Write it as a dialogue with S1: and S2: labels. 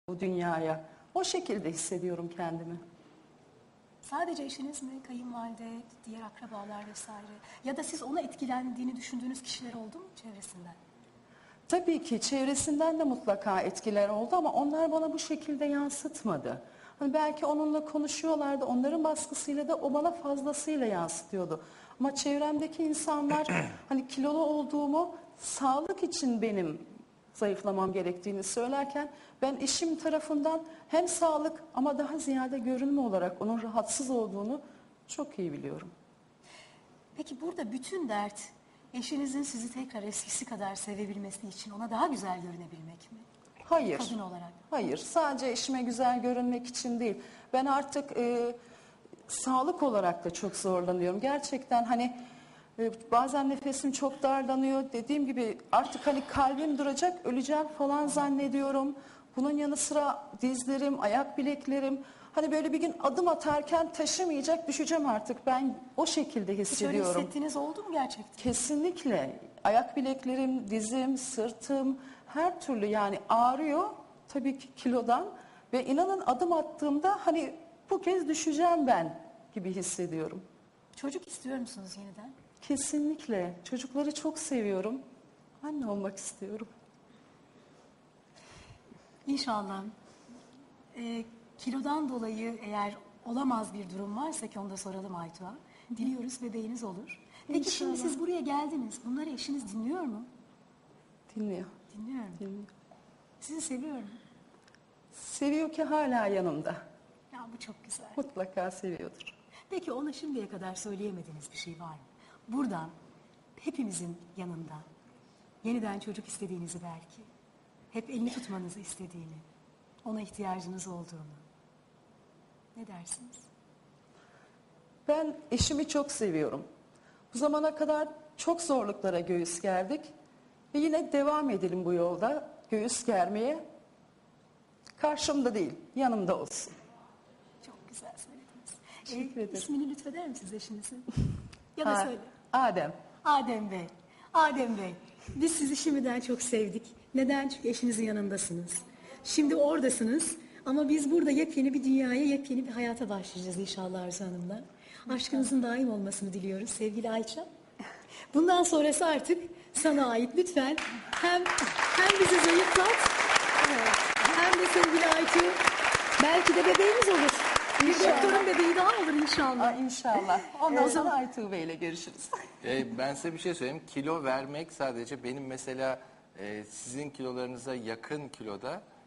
S1: bu dünyaya. O şekilde hissediyorum kendimi.
S2: Sadece eşiniz mi, kayınvalide, diğer akrabalar vesaire? Ya da siz ona etkilendiğini düşündüğünüz kişiler oldu mu çevresinden?
S1: Tabii ki çevresinden de mutlaka etkiler oldu ama onlar bana bu şekilde yansıtmadı. Hani belki onunla konuşuyorlardı, onların baskısıyla da o bana fazlasıyla yansıtıyordu. Ama çevremdeki insanlar hani kilolu olduğumu, sağlık için benim zayıflamam gerektiğini söylerken ben eşim tarafından hem sağlık ama daha ziyade görünme olarak onun rahatsız olduğunu çok iyi biliyorum.
S2: Peki burada bütün dert eşinizin sizi tekrar eskisi kadar sevebilmesi için ona daha güzel görünebilmek mi?
S1: Hayır.
S2: Kadın olarak.
S1: Hayır. Sadece eşime güzel görünmek için değil. Ben artık sağlık olarak da çok zorlanıyorum. Gerçekten hani bazen nefesim çok darlanıyor. Dediğim gibi artık hani kalbim duracak, öleceğim falan zannediyorum. Bunun yanı sıra dizlerim, ayak bileklerim. Hani böyle bir gün adım atarken taşımayacak, düşeceğim artık. Ben o şekilde
S2: Hiç öyle
S1: hissediyorum.
S2: hissettiğiniz oldu mu gerçekten?
S1: Kesinlikle. Ayak bileklerim, dizim, sırtım her türlü yani ağrıyor tabii ki kilodan ve inanın adım attığımda hani bu kez düşeceğim ben gibi hissediyorum.
S2: Çocuk istiyor musunuz yeniden?
S1: Kesinlikle. Çocukları çok seviyorum. Anne olmak istiyorum.
S2: İnşallah. Kilodan dolayı eğer olamaz bir durum varsa ki onu da soralım Aytuğa. Diliyoruz bebeğiniz olur. Peki şimdi
S1: İnşallah.
S2: siz buraya geldiniz. Bunları eşiniz dinliyor mu?
S1: Dinliyor.
S2: Dinliyor mu?
S1: Dinliyor.
S2: Sizi seviyor mu?
S1: Seviyor ki hala yanımda.
S2: Ya bu çok güzel.
S1: Mutlaka seviyordur.
S2: Peki ona şimdiye kadar söyleyemediğiniz bir şey var mı? Buradan hepimizin yanında yeniden çocuk istediğinizi belki, hep elini tutmanızı istediğini, ona ihtiyacınız olduğunu. Ne dersiniz?
S1: Ben eşimi çok seviyorum. Bu zamana kadar çok zorluklara göğüs gerdik. Ve yine devam edelim bu yolda göğüs germeye. Karşımda değil, yanımda olsun.
S2: Çok güzel söylediniz.
S1: Teşekkür ederim.
S2: İsmini lütfeder misiniz eşinizin? Ya da söyle.
S1: Adem.
S2: Adem Bey. Adem Bey, biz sizi şimdiden çok sevdik. Neden? Çünkü eşinizin yanındasınız. Şimdi oradasınız ama biz burada yepyeni bir dünyaya, yepyeni bir hayata başlayacağız inşallah Arzu Hanım'la. Aşkınızın daim olmasını diliyoruz sevgili Ayça. Bundan sonrası artık sana ait. Lütfen hem bizi zayıflat hem de sevgili Ayça belki de bebeğimiz olur. Bir doktorun bebeği daha olur inşallah.
S1: İnşallah. Ondan sonra Aytuğ Bey ile görüşürüz.
S3: Ben size bir şey söyleyeyim. Kilo vermek sadece benim mesela sizin kilolarınıza yakın kiloda